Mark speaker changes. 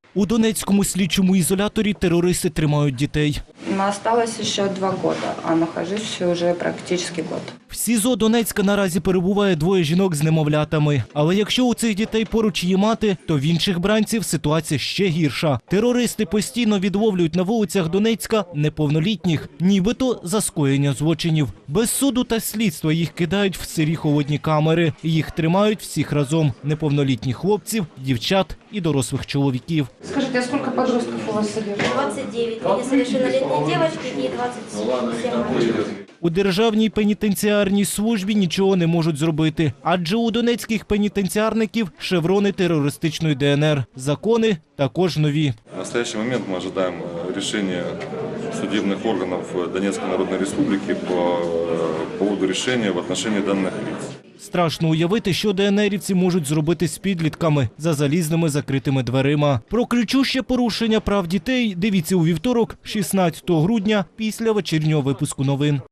Speaker 1: У Донецькому слідчому ізоляторі терористи тримають дітей.
Speaker 2: Осталось еще 2 года, а нахожусь уже практически год.
Speaker 1: В СІЗО Донецька наразі перебуває 2 жінок з немовлятами. Але якщо у цих дітей поруч є мати, то в інших бранців ситуація ще гірша. Терористи постійно відловлюють на вулицях Донецька неповнолітніх, нібито за скоєння злочинів. Без суду та слідства їх кидають в сирі холодні камери. Їх тримають всіх разом – неповнолітніх хлопців, дівчат і дорослих чоловіків.
Speaker 2: Скажите, а сколько подростков у вас содержат?
Speaker 3: 29 несовершеннолетние девочки и 27 мальчиков.
Speaker 1: У Державній пенітенціарній службі нічого не можуть зробити, адже у донецьких пенітенціарників шеврони терористичної ДНР. Закони також нові.
Speaker 4: В настоящий момент мы ожидаем решения судебных органов Донецкой Народной Республики по поводу решения в отношении данных лиц.
Speaker 1: Страшно уявити, що ДНРівці можуть зробити з підлітками за залізними закритими дверима. Про кричуще порушення прав дітей дивіться у вівторок, 16 грудня, після вечірнього випуску новин.